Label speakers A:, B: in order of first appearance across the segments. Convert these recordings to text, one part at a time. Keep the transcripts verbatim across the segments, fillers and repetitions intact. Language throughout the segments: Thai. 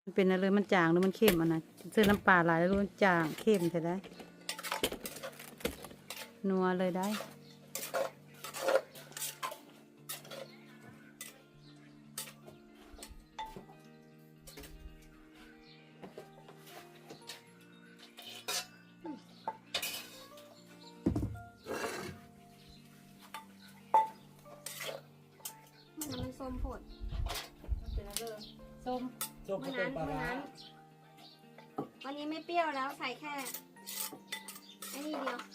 A: มันเป็นอะไรมันจางหรือมันเค็มอ่ะนะเสื้อน้ำปลาหลายแล้วมันจางเค็มใช่ได้นัวเลยได้
B: มันส้มผดเป็นอะไรส้ม
C: ส้ม
B: วัน
C: เป็
B: นั้น น
C: ปลา
B: วัน
C: ร้า
B: นั้นวันนี้ไม่เปรี้ยวแล้วใส่แค่ไอ้นี่เดียว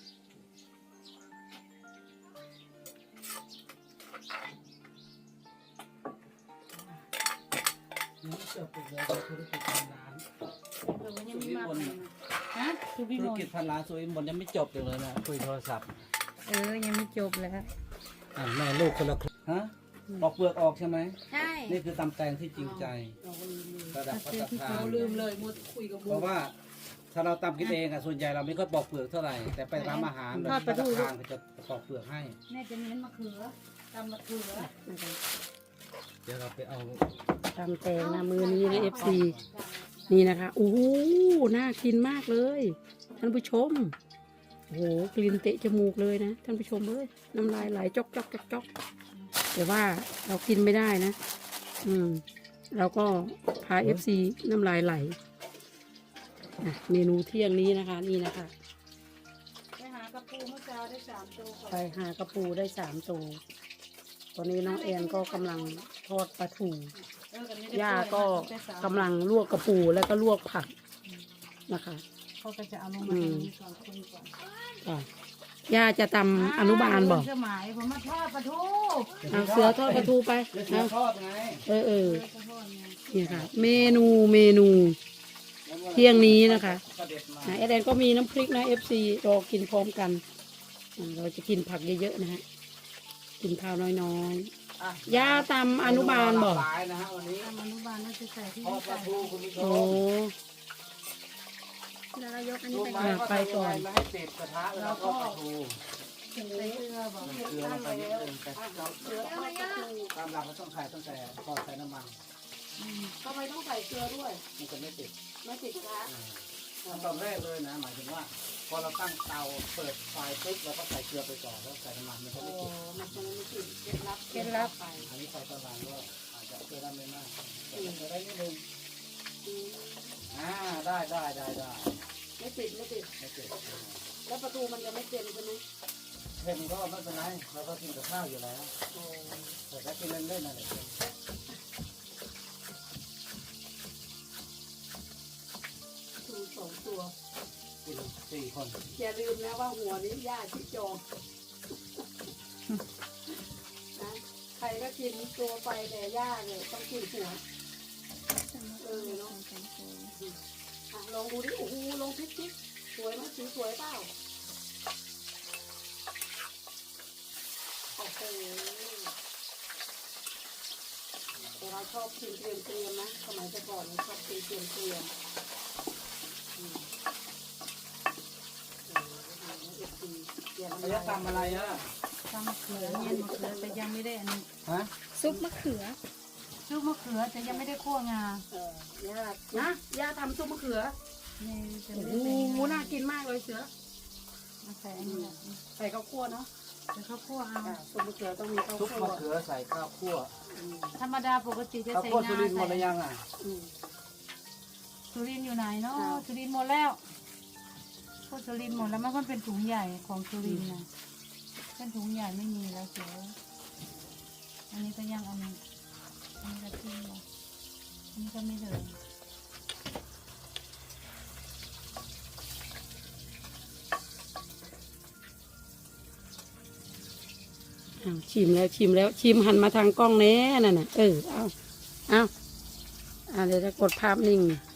C: ยังไม่จบอีกเลยธุรกิจพันล้าน
A: เออมันยังมีมากเลยนะฮะคือพี่
C: ธุ
A: ม
C: ร
A: น
C: กิจพันล้านสุรินทร์บนยังไม่จบอยู่เลยนะคุยโทรศัพท์
A: เออยังไม่จบแล้ว
C: อ่าแม่ลูกคนละครึ่งฮะปอกเปลือกออกใช่ไหม
B: ใช่
C: นี่คือตำแตงที่จริงใจระดับพัฒนา
A: เราลืมเลยมัวคุยกับ
C: เพราะว่าถ้าเราตำกินเองอ่ะส่วนใหญ่เราไม่ค่อยปอกเปลือกเท่าไหร่แต่ไปร้านอาหารแบบพัฒนาเขาจะปอกเปลือกให้
A: แม่จะเน้นมะเขือตำมะเขือ
C: เดี๋ยวเราไปเอา
D: ตำแตงนะมือนี้ในเอฟซีนี่นะคะโอ้โหน่ากินมากเลยท่านผู้ชมโอ้โหกลิ่นเตะจมูกเลยนะท่านผู้ชมเอ้ยน้ำลายไหลจอกจอกจอกจอกแต่ว่าเรากินไม่ได้นะ อืมเราก็พาเอฟซีน้ำลายไหลอ่ะเมนูเที่ยงนี้นะคะนี่นะคะ
A: ไปหากระปูเมื่อเช้าได้สามตัวก่อน
D: ไปหากระปูได้สามตัวตอนนี้น้องแอนก็กำลังทอดปลาทู
A: เออกันนี้ได้
D: ย่า
A: เปื่
D: ก็
A: อยนะได้สาม
D: กำลังลวกกระปูแล้วก็ลวกผักนะคะ
A: เขาก็จะเอาลงมาตรงนี้ก่อนคนก่อน
D: อ่ะย่าจะตำอนุบาลบอก
A: สมัยผมมาทอดปลาทู
D: เอาเสือทอดปลาทูไป
C: เดี๋ยวเสือ
D: เอา
C: ทอดไง
D: เออเออ
A: เออทอดไง
D: นี่ค่ะ เมนูเมนูเที่ยงนี้นะคะ
C: ก็เด็ดมา
D: นะเอเดนก็มีน้ำพริกนะเอฟซีรอกินพร้อมกันอ่ะเราจะกินผักเยอะๆนะฮะกินข้าวน้อย
C: อ่ะ
D: ๆย่าตำอนุบาลบอก
C: หลายนะฮะวันนี้
A: ทำอนุบาลน่าจะใส่ที่
C: ทอดปลา
A: ใส่
C: ทูคุณผู้ช
D: โอ้
C: ม
B: แล้วเรายกอันนี้
C: รู้
B: ไป
C: ไหม
B: ก่อน
C: ว่า
D: ไปก่อน
C: ทำยังไงไม่ให้ติดกระทะแล้วก็ปลาทู
A: ใส่เกลือบอก
C: เกลือลงไปนิดนึงแต่เราเกลือตามหลักเราต้องใส่ตั้งแต่ก่อนใส่น้ำมัน
D: ทำไมต้องใส่เกลือด้วย
C: มันจะไม่ติด
D: ไม่ติดกระ
C: ขั้นตอนแรกเลยนะ หมายถึงว่า พอเราตั้งเตาเปิดไฟปุ๊บเราก็ใส่เกลือไปก่อนแล้วใส่น้ำมันมันจะ
D: โอ้
C: ไม่ติด
D: มันจะไม่ติดเคล็ดลับ
A: เคล็ดลับ
D: ไป
C: อันนี้ใส่ตอนหลังก็อาจจะเกลือได้ไม่มากแต่เกลือได้นิดนึงอ่าได้ได้ได้ได้
D: ไม่ติดไม่ติด
C: ไม่ติด
D: แล้วประตูมันจะไม่เต็มใช่ไหม
C: เผ็ดก็ไม่เป็นไรเราก็กินกับข้าวอยู่แล้ว
D: โอ้
C: แต่ถ้ากินเล่นๆน่ะเด็ก
D: ดูสองตัว
C: กินสี่คน
D: อย่าลืมนะว่าหัวนี้ย่าชิจองนะใครก็กินตัวไปแต่ย่าเลยต้องกินหัวเออเนาะอ่ะลองดูดิโอ้โหลองพลิกพลิกสวยไหมสีสวยเปล่าโอ้โหแต่เราชอบกินเตรียมเตรียมๆนะสมัยแต่ก่อนเราชอบกินเตรียมเตรียมๆอืมเดี๋ยว
C: เขาจะทำอะไรอ่ะ
A: ทำมะเขือเนี่ยมะเขือแต่ยังไม่ได้อันนี้
C: ฮะ
B: ซุปมะเขือ
A: ซุปมะเขือแต่ยังไม่ได้คั่วงา
D: เออย่านะย่าทำซุปมะเขือ
A: นี่จะ
D: โอ้
A: ไม่
D: โห
A: ได้ใส่งา
D: น่ากินมากเลยเสือ
A: มาใส่อันนี้แหละ
D: ใส่ข้าวคั่วเนาะ
A: เดี๋ยวเขาคั่วเอา
D: อ่าซุปมะเขือต้องมีข้าว
C: ซุป
D: คั่ว
C: มะเขือใส่ข้าวคั่ว
D: อืม
A: ธรรมดาปกติจะ
C: ข้าว
A: ใส่
C: คั่ว
A: งา
C: สุรินทร์หมดหรือ
A: ใส่
C: ยังอ่ะ
D: อืม
A: สุรินทร์อยู่ไหนเนาะ
D: อ้าว
A: สุรินทร์หมดแล้วพวกสุรินทร์หมดแล้วมันเป็นถุงใหญ่ของสุรินทร์นะเป็นถุงใหญ่ไม่มีแล้วเสืออันนี้ก็ยังอันนี้อันนี้ก็ทิ้งเลยอันนี้ก็ไม่เหลือ
D: อ้าวชิมแล้วชิมแล้วชิมหันมาทางกล้องแน่นั่นน่ะเออเอาเอาอ่าเดี๋ยวจะกดภาพนิ่ง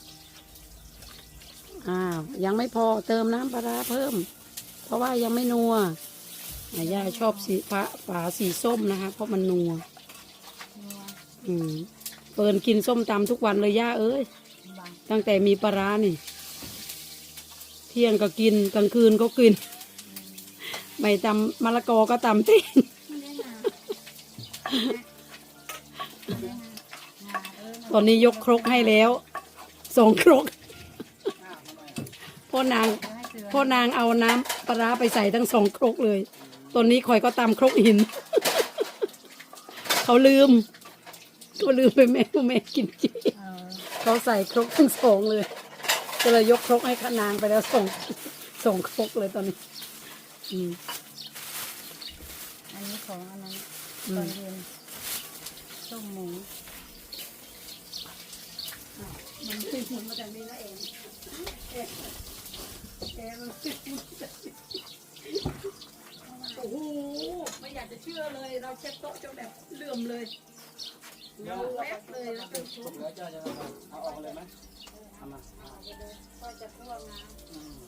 D: อ้าวยังไม่พอเติมน้ำปลาร้าเพิ่ม เพราะว่ายังไม่นัวอ่ะย่าชอบสีฟ้าฝาสีส้มนะคะ เพราะมันนัว
A: นัว
D: อืมเปิดกินส้มตำทุกวันเลยย่าเอ้ย
A: บาง
D: ตั้งแต่มีปลาร้านี่ เที่ยงก็กินกลางคืนก็กิน ไม่ตำมะละกอก็ตำติ้ง
B: ไม่ได้มา
A: งาเออ
D: ตอนนี้ยกครกให้แล้วสองครก
C: อ้าวทำไมอ่ะ
D: พ่อนาง
A: เดี๋ยวให้เสือ
D: พ่อนางเอาน้ำปลาร้าไปใส่ทั้งสองครกเลยตอนนี้คอยก็ตำครกหิน เขาลืมเขาลืมไปแม่ว่าแม่กินจี
A: เออ
D: เขาใส่ครกทั้งสองเลยก็เลยยกครกให้ขนางไปแล้วส่งส่งครกเลยตอนนี้อืม
A: อันนี้ของอันนั้น
D: อืม
A: ตอนเย็นต้มหมู
D: มันขึ้นหุ่นมาจากนี้แล้วเองเอ๊ะเอ๊ะมันขึ้นหุ่นมาจากนี้โอ้โหไม่อยากจะเชื่อเลย เราเช็ดโต๊ะจนแบบเลื่อมเลยเงาแวบเลยแล้วเป็นชุด
C: แล้วเจ้าจะทำไงเอาออกเลยไหมเอามาเอา
B: ก็จะพวกนะ
C: อืม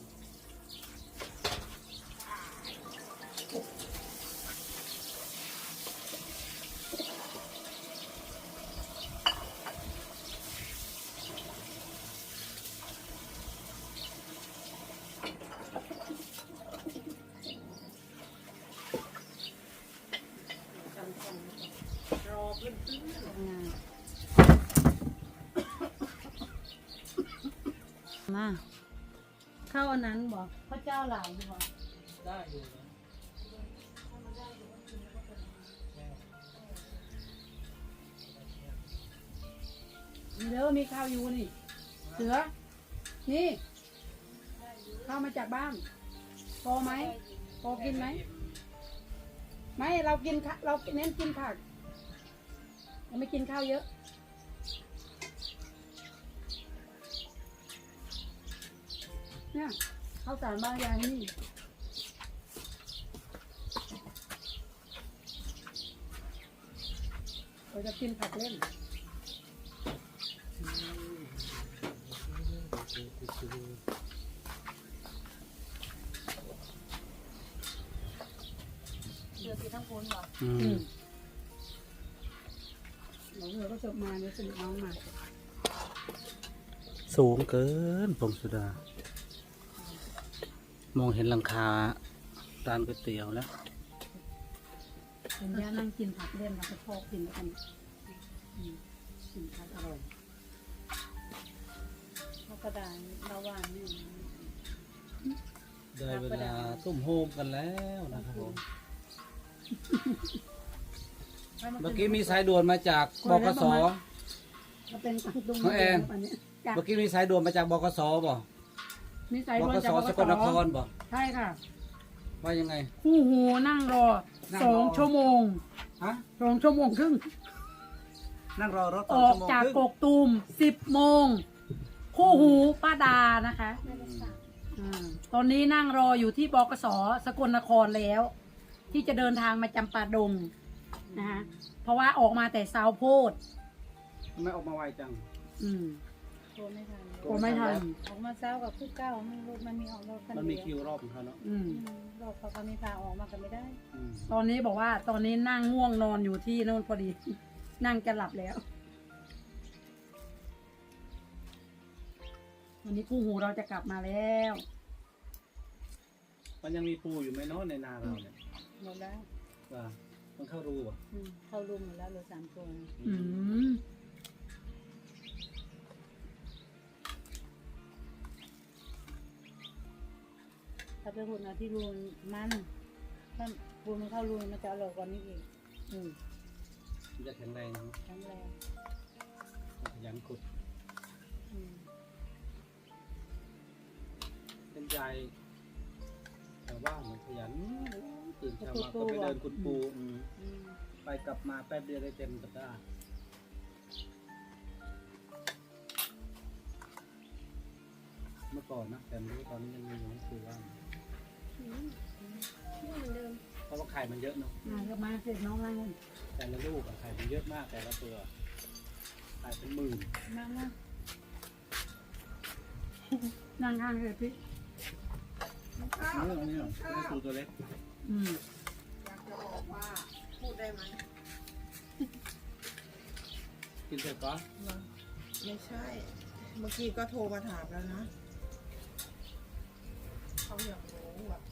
D: รอเพื่อน
A: ทำงานมาเข้าอันนั้นบอกพระเจ้าหลายอยู่บอก
C: ได้อยู่นะ
D: มีเด้อมีข้าวอยู่นี่ เสือ นี่ ข้าวมาจากบ้านพอไหมพอกินไหม ไม่ เรากินข้าเราเน้นกินผักเราไม่กินข้าวเยอะ เนี่ยข้าวสารบางอย่างนี่เราจะกินผักเล่น
A: เดือดที่ทั้งคนบอก
C: อื
D: อื
C: ม
D: มหนูเธอก็จบมาเนี่ยสนิทน้องมา
C: สูงเกินพงสุดา มองเห็นหลังคาร้านก๋วยเตี๋ยวแล้ว
D: เป็นย่านั่งกินผักเล่นเราก็ชอบกินแล้วกันอืมกินผักอร่อย
A: เขากระดานระหว่างนี่
C: ได้เวลาตุ้มโฮมกันแล้วนะครับผม เมื่อกี้มีสายด่วนมาจากบกส
D: ก็เป็นตังตุ้ง
C: น้องแอน
D: อันนี้จ้ะ
C: เมื่อกี้มีสายด่วนมาจากบกสบ่
D: มีสาย
C: บ
D: ด่วน
C: ก
D: จาก
C: ส
D: บ
C: ส
D: ก
C: กลนค
D: ส
C: รบ่
D: ใช่ค่ะ
C: ว่ายังไง
D: คู่หูนั่งรอ
C: นั่ง
D: ส
C: รอ
D: องชั่วโมง
C: ฮะ
D: สองชั่วโมงครึ่ง
C: นั่งรอรถ
D: ออกจากกกตูมสิบโมง คู่หูป้าดานะคะ
B: ไม่ได้สั่ง
D: อืมตอนนี้นั่งรออยู่ที่บกสสกลนครแล้ว ที่จะเดินทางมาจำปาดงนะคะเพราะว่าออกมาแต่ซาวโพด
C: ทำไมออกมาไวจัง
D: อืม
A: โทรไม่ทัน
D: กลัวไม่ทัน
A: ออกมาเช้ากับคู่เก้ามันรถมันมีออกรถคัน
C: มันมี
A: เดี
C: คิ
A: ยว
C: วรอบของเขาเนาะ
D: อืม
A: อืมรถเขาเขามีพาออกมากันไม่ได้
C: อืม
D: ตอนนี้บอกว่าตอนนี้นั่งง่วงนอนอยู่ที่โน่นพอดี นั่งจะหลับแล้ว วันนี้คู่หูเราจะกลับมาแล้ว
C: มันยังมีปูอยู่ไหมเนาะในนาเราเนี่ย
A: หมดแล้ว
C: ว่ามันเข้ารูป่ะ
A: อืมเข้ารุมหมดแล้วเหลือสามตัว
D: อืม
A: ถ้าไปหุ่นเอาที่รูนมันถ้าปูนมันเข้ารูนมันจะอร่อยกว่านี้อีก
D: อืม
C: มันจะแข็งแรงเนาะ
A: แข็งแรง
C: ขยันขุด
A: อืม
C: เป็นใจแต่ว่าเหมือนขยันตื่นเช้ามาก็ไปเดินขุดปูอืม
A: อืม
C: ไปกลับมาแป๊บเดียวได้เต็มสัปดาห์เมื่อก่อนนะแต่ไม่รู้ตอนนี้ยังมีอยู่ก็คือว่า
B: อืมนี่เหมือนเดิม
C: เพราะว่าไข่มันเยอะเนาะ
D: มาก็มาเสร็จน้องนั่ง
C: แต่ละลูกอะไข่มันเยอะมากแต่ละตัวไข่เป็นหมื่น
A: มากมาก
D: นั่งข้างเลยพี่
C: นี่นี่ไม่ได้ตัวตัวเล็ก
D: อืม
E: อยากจะบอกว่าพูดได้ไหม
C: กินเสร็จปะ
E: ไม่ใช่ เมื่อกี้ก็โทรมาถามแล้วนะ เขาอยากรู้อ่ะ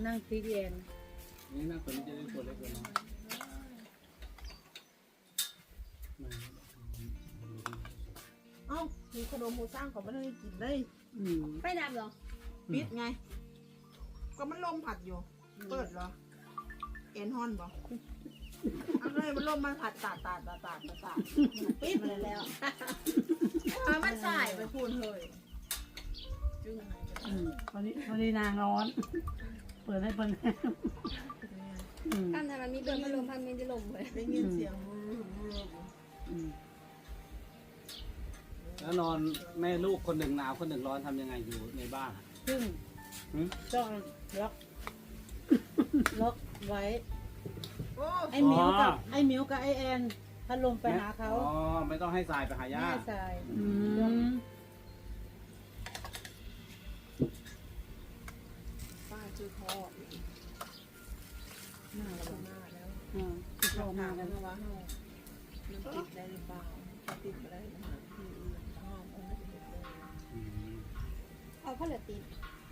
A: นั่งตีเย็น
C: นี่นะตัวนี้จะได้ตัวเล็กตัวน้อยมา
E: เอ้ามีขนมหมูสร้างเขาไม่ได้กินเลย
D: อืม
B: ไฟดับเหรอ
E: ปิดไง ก็มันลมผัดอยู่ เปิดเหรอ เอ็นฮอนบ่เอาเลยมันลมมันผัดตาดตาดตาดตาดตาดตาดปิดมาเลยแล้วเอามันใส่ไปพูนเลยจึงไง
D: อืมพอดีพอดีนางร้อน เปิดให้เปิดให้อืม
B: กั้นทำไมมีเปิดพัดลมพัดมีจะลมเลย
E: ได้ยินเสียง
D: อืม
C: แล้วนอนแม่ลูกคนหนึ่งหนาวคนหนึ่งร้อนทำยังไงอยู่ในบ้านอะ
A: ซึ่ง
C: หืม
A: ต้องล็อกล็อกไว้
E: โอ้
A: ไอ้หมิวกับไอ้หมิวกับไอ้แอนพัดลมไปหาเขา
C: อ๋อไม่ต้องให้สายไปหาย่า
A: แม่ทราย
D: อืม
E: ป้าชื่อพ่อ
A: หน้า
E: เรา
A: เรา
E: มาแล้ว
A: อ่าที่เขามา
E: มา
A: กั
E: กัน นว่าเฮามันติดได้หรือเปล่าถ้าติดไปได้หาที่อื่นห้องเอาไม่ได้เลย
C: อืม
B: เอาผ้าเหลือตีน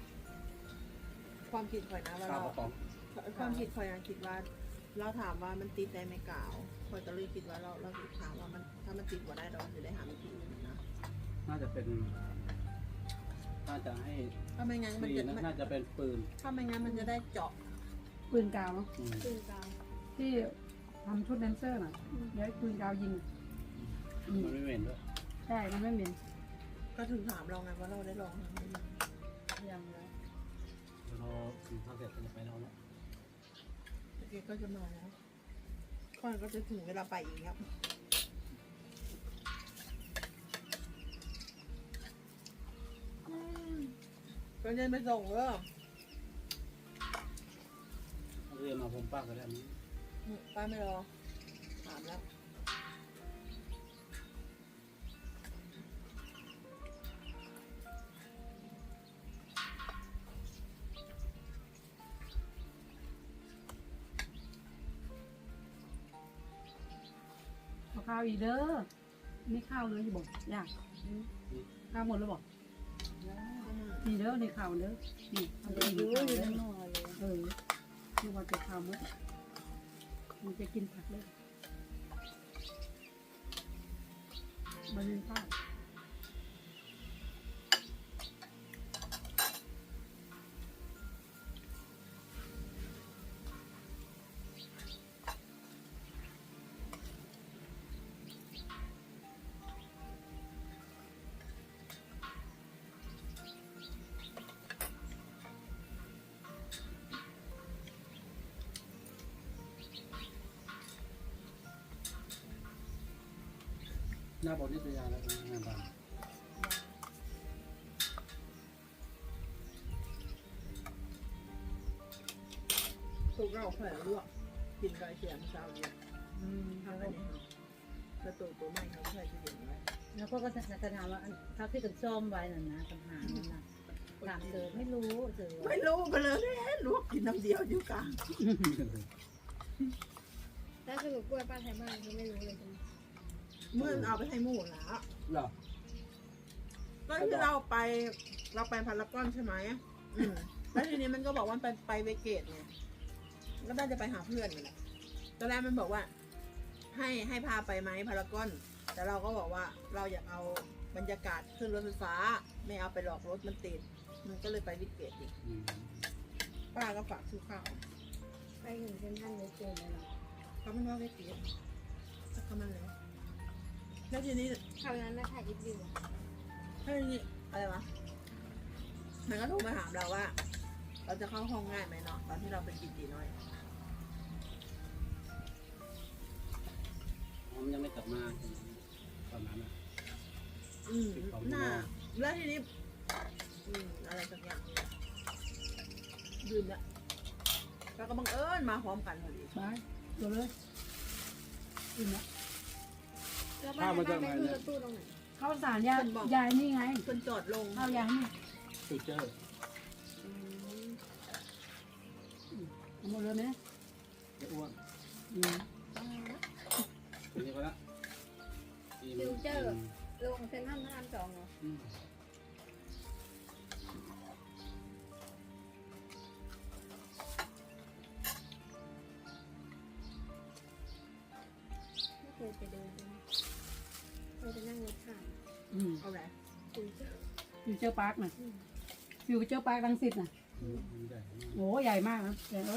E: ความคิดข่อยนะว่า
C: ข้าว
E: เรา
C: กระป๋อง
E: ความคิดข่อยนะคิดว่า เราถามว่ามันติดได้ไหมกล่าวข่อยก็เลยคิดว่าเราเราถามว่ามันถ้ามันติดว่าได้เราจะได้หาวิธีอื่นนะ
C: น่าจะเป็นน่าจะให้
E: ถ้าไม่งั้นมัน
C: ดี
E: จะ
C: นะ
E: มัน
C: น่าจะเป็นปืน
E: ถ้าไม่งั้นมันจะได้เจาะ
D: ปืนกาวเนาะ
C: อืม
B: ตื่นกลาง
D: ที่ทำชุดแดนเซอร์น่ะเดี๋ยวปืนกาวยิงอืม
C: มันไม่เหม็นด้วย
D: ใช่มันไม่เหม็น
E: ก็ถึงถามเราไงว่าเราได้ลองทำไหม
A: ยังแล้ว
C: เดี๋ยวเรากินข้าวเสร็จก็จะไปนอนแล้ว
E: โอเคก็จะมาแล้วข่อยก็จะถึงเวลาไปอีกครับอืมก็เดินไปส่งเด้อ
C: เอาเรือมาผมป้าก็ได้มั้ย
E: อืมป้าไม่รอ ถามแล้ว
D: เอาข้าวอีกเด้อนี่ข้าวเลยอยู่บอกอยากข้าวหมดแล้วบอกนี่เด้อนี่ข้าวเด้อนี่เอาไป
A: ดู
D: กินข้าว
A: อยู่
D: เด้อ
A: ข้างนอกเลย
D: เออนี่ว่าจะข้าวมั้ยมันจะกินผักเลยมาเล่นข้าว
C: หน้าบนนิตยาแล้วเป็นงานบ้าน
E: ถูกเราแขวนลวกกินไก่เสียงเช้าเย็น
A: อืม
E: ทางนี้ครับกระตูตัวใหม่เขาใส่จะเย็นไว้
A: แล้วก็ก็จะจะถามว่าอันเขาที่กันซ่อมไว้น่ะนะปัญหานั่นนะถามเจอไม่รู้เจอ
E: ไม่รู้ไปเลยแน่ลวกกินน้ำเดียวอยู่กลาง
B: แล้วสรุปกล้วยป้าไทยบ้านคือไม่รู้เลยใช่ไหม
E: เมื่อเอาไปให้หมูแล้ว
C: เหรอ
E: ก็ที่เราไปเราไปพารากอนใช่ไหมอืมแล้วทีนี้มันก็บอกว่าไปไปเวเกตไงก็น่าจะไปหาเพื่อนนี่แหละตอนแรกมันบอกว่า ให้ให้พาไปไหมพารากอน แต่เราก็บอกว่าเราอยากเอาบรรยากาศขึ้นรถไฟฟ้า ไม่เอาไปหลอกรถมันติด มันก็เลยไปวิเกตอีก
C: อืม
E: ป้าก็ฝากซื้อข้าว
B: ไปถึงเซ็นทรัลเลยเจอเลยเหรอ
E: เขาไม่ว่าเวเกตถ้าเขามันแล้วแล้วทีนี้
B: คราวนั้นนะถ่ายอีฟวิว
E: ถ้าทีนี้อะไรวะมันก็โทรมาถามเราว่า เราจะเข้าห้องง่ายไหมเนาะตอนที่เราเป็นจีจีน้อย
C: ผมยังไม่กลับมาตอนนั้นอ่ะ
E: อืมน่าแล้วทีนี้ อืมอะไรสักอย่างนี่แหละยืนละแล้วก็บังเอิญมาพร้อมกันพอดี
D: ไปตัวเลยอิ่มแล้ว
B: แล้วป้าไทยบ้านไปขึ้นรถตู้ตรงไหน
D: ข้าวสารยายยายนี่ไง
E: เพิ่นจอดลง
D: ข้าวยายนี่
C: ฟิวเจอร์
E: อืม
D: เอาหมดเลยไหม
C: จะอ้วน
D: อืม
C: อันนี้ก็ละอิ่ม
B: ฟิวเจอร์ลงเซ็นทรัลพระรามสองเหรอ
C: อืม
B: เดินเราจะนั่งรถผ่าน
D: อืม
E: เอาแหละ
B: คุยเจ้า
D: ฟิวเจอร์พาร์คน่ะฟิวเจอร์พาร์ครังสิตน่ะ
C: อืมใหญ่มาก
D: โอ้ใหญ่มากนะแต่เอ้ย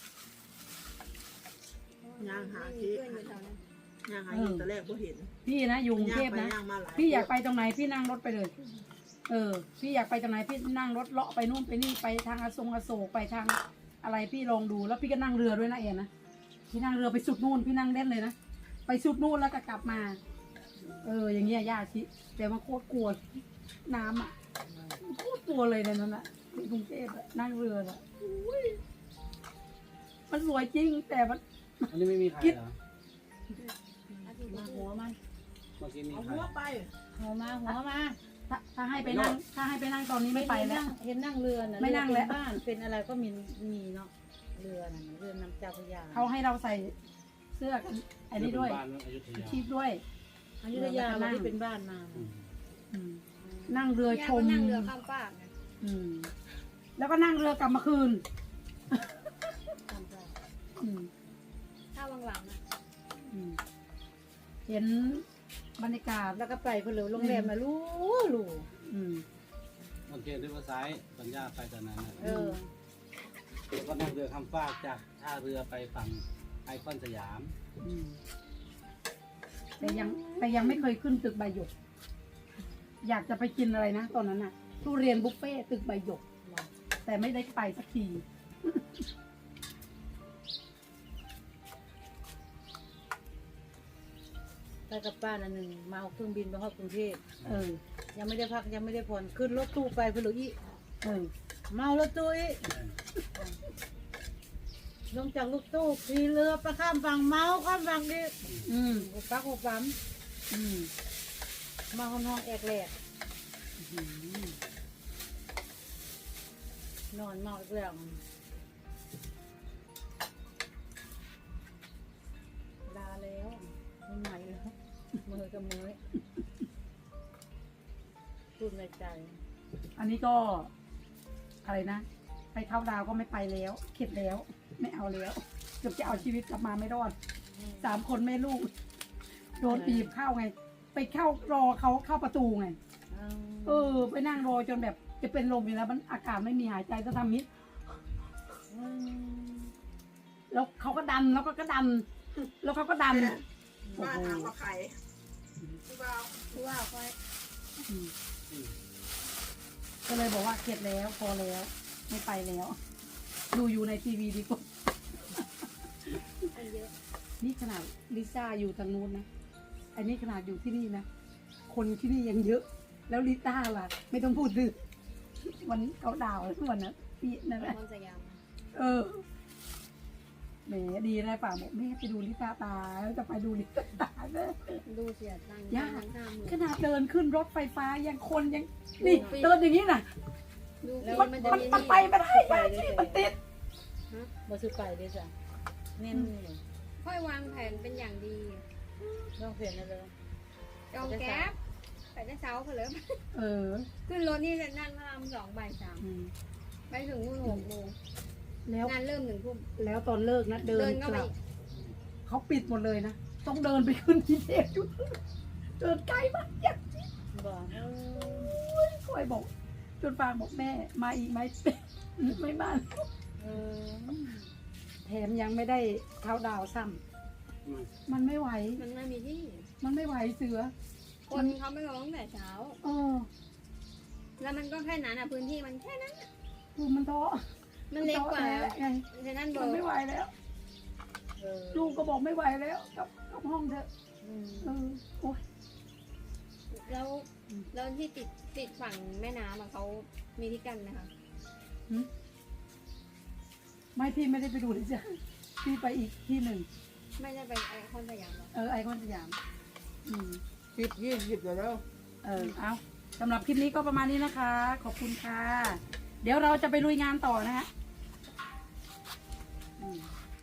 E: ย่างหา
B: ไม่มี
E: ที่
B: เพื่อนอยู่แถวนั้น
E: ย่างหาที่ตอนแรกก็เห็น
D: พี่นะอยู่กรุง
E: ย่า
D: เท
E: ง
D: พ
E: ไป
D: นะ
E: ย่างมาหลาย
D: พี่อยากไปตรงไหนพี่นั่งรถไปเลย เออ พี่อยากไปตรงไหนพี่นั่งรถเลาะไปนู่นไปนี่ไปทางอโศกอโศกไปทางอะไรพี่ลองดูแล้วพี่ก็นั่งเรือด้วยนะเอ็นนะพี่นั่งเรือไปสุดนู่นพี่นั่งเล่นเลยนะไปสุดนู่นแล้วก็กลับมา เออ อย่างเงี้ยย่าชิแต่ว่าโคตรกลัวน้ำอ่ะโคตรกลัวเลยในนั้นอ่ะที่กรุงเทพอะนั่งเรืออ่ะอุ้ยมันสวยจริงแต่มัน
C: อันนี้ไม่มีใครเหรอ
B: อาทิตย์
A: มา
B: ละ
A: หัวมา
C: เมื่อกี้มี
E: เอา
C: ใคร
E: หัวไป
A: หัวมาหัวมา
D: ถ้าถ้าให้ไปนั่งถ้าให้ไปนั่งตอนนี้ไม่ไปแล้ว
A: เห็นนั่งเรือนะ
D: ไม่นั่งแล้ว
A: เรือเป็นบ้านเป็นอะไรก็มีมีเนาะเรือน่ะเรือน้ำเจ้าพระยา
D: เขาให้เราใส่เสื้อกันอันนี้ด้วย
C: บ้านอยุธยา
D: ชีพด้วย
A: อยุธยาเราที่เป็นบ้านมา
C: อืม
D: อืมนั่งเรือชม
B: ย่าก็นั่งเรือข้ามฟากนะ
D: อืมแล้วก็นั่งเรือกลับมาคืน
A: ตามใจ
D: อืม
B: ถ้าวังหลังอ่ะ
D: อืมเห็นบรรยากาศ
A: แล้วก็ไปเพนเหลือโรงแรมมาลู่ลู่
D: อืม
C: โอเคด้วยภาษาปัญญาไปตอนนั้นน่ะ
A: เออ
C: แล้วก็นั่งเรือข้ามฟากจากท่าเรือไปฝั่งไอคอนสยาม
D: อืมแต่ยังแต่ยังไม่เคยขึ้นตึกใบหยก อยากจะไปกินอะไรนะตอนนั้นน่ะทุเรียนบุฟเฟ่ต์ตึกใบหยก แต่ไม่ได้ไปสักที
A: ไปกับป้าอันหนึ่งมาเอาเครื่องบินไปฮอดกรุงเทพ
D: เออ
A: ยังไม่ได้พักยังไม่ได้ผ่อนขึ้นรถตู้ไปเพนเหลืออี
D: เออ
A: เมารถตู้อีลงจากรถตู้ขี่เรือไปข้ามฝั่งเมาข้ามฝั่งดิ
D: อืม
A: หัวปักหัวปั๊ม
D: อืม
A: มาห้องห้องแอกแหลก
D: อืม
A: นอนเมาอีกแล้วลาแล้วไม่ไหวแล้วมือกับมือพูดในใจ
D: อันนี้ก็ อะไรนะ ไปเข้าดาวก็ไม่ไปแล้ว เข็ดแล้ว ไม่เอาแล้วเกือบจะเอาชีวิตกลับมาไม่รอด สามคนแม่ลูก โดนบีบเข้าไง ไปเข้ารอเขาเข้าประตูไง เออ ไปนั่งรอจนแบบจะเป็นลมอยู่แล้ว มันอากาศไม่มีหายใจจะทำมิดแล้วเขาก็ดันแล้วก็ก็ดัน แล้วเขาก็ดัน
E: บ้านถามว่าใครพี่บ่าว
B: คือว่าค่อย
D: อืมก็เลยบอกว่าเข็ดแล้วพอแล้ว ไม่ไปแล้ว ดูอยู่ในทีวีดีกว่า
B: อันเยอะ
D: นี่ขนาดลิซ่าอยู่ทางนู้นนะ อันนี้ขนาดอยู่ที่นี่นะ คนที่นี่ยังเยอะ แล้วลิซ่าล่ะ ไม่ต้องพูดถึงวันเขาดาวทุกวันนะพี่นั่นแหละ
B: คอนสยาม
D: เออแหมดีนะป่าบอกแม่ไปดูลิซ่าตาแล้วจะไปดูลิซ่าตาเด้อ
B: ดูเสียตังค์
D: ยาก
B: ทั้งห้าหมื่น
D: ขนาดเดินขึ้นรถไฟฟ้ายังคนยังนี่เดินอย่างนี้น่ะ
B: ดู
A: แล้ว
D: มัน
B: มันจะ
D: มัน
B: มี
D: มันไปไม่ได้ยากที่มันติด
A: มาซื้อไปด้วยจ้ะเน้นนี่
B: ค่อยวางแผนเป็นอย่างดี
A: ต้องเปลี่ยนนะเลย
B: จองแก๊ปไปได้เช้าเพนเลย
D: เออ
B: ขึ้นรถนี่จะนั่งพระรามสองบ่ายสาม
D: อืม
B: ไปถึงนู่นหกโมง
D: แล้ว
B: งานเริ่มหนึ่งทุ่ม
D: แล้วตอนเลิกนะเดิ
B: เดิ
D: น
B: นเข้าก ไป
D: ลับ
B: อีก
D: เขาปิดหมดเลยนะ ต้องเดินไปขึ้นที่เทพอยู่เดินไกลมากอยาก
A: บอกเออ
D: คอยบอก จนฟางบอกแม่ มาอีกไหม ไม่มา
A: เออ
D: แถมยังไม่ได้เข้าดาวซ้
C: อืม
D: ำมันไม่ไหว
B: มันไม่มีที่
D: มันไม่ไหวเสือ
B: คนเขาไม่ลงตั้งแต่เช้า
D: เออ
B: แล้วมันก็แค่นั้นอ่ะพื้นที่มันแค่นั้น
D: คือมันท้อ
B: มันเล็กกว่า
D: ท้อแท้ไง
B: ฉะนั้นเบอ
D: มัน
B: ร์
D: ไม่ไหวแล้ว
A: เออ
D: ลูกก็บอกไม่ไหวแล้วกับกับห้องเถอะ
A: อืม
D: เออโอ้ย
B: แล้วแล้วที่ติดติดฝั่งแม่น้ำอะเขามีที่กันนะคะ
D: ไม่พี่ไม่ได้ไปดูเลยจ้ะพี่ไปอีกที่หนึ่ง
B: ไม่ได้ไปไอคอนสยามหรอก
D: เออไอคอนสยาม อืม
E: สิบยี่สิบเดี๋ยวแล้ว
D: เออ เอาสำหรับคลิปนี้ก็ประมาณนี้นะคะ ขอบคุณค่ะ เดี๋ยวเราจะไปลุยงานต่อนะฮะอืม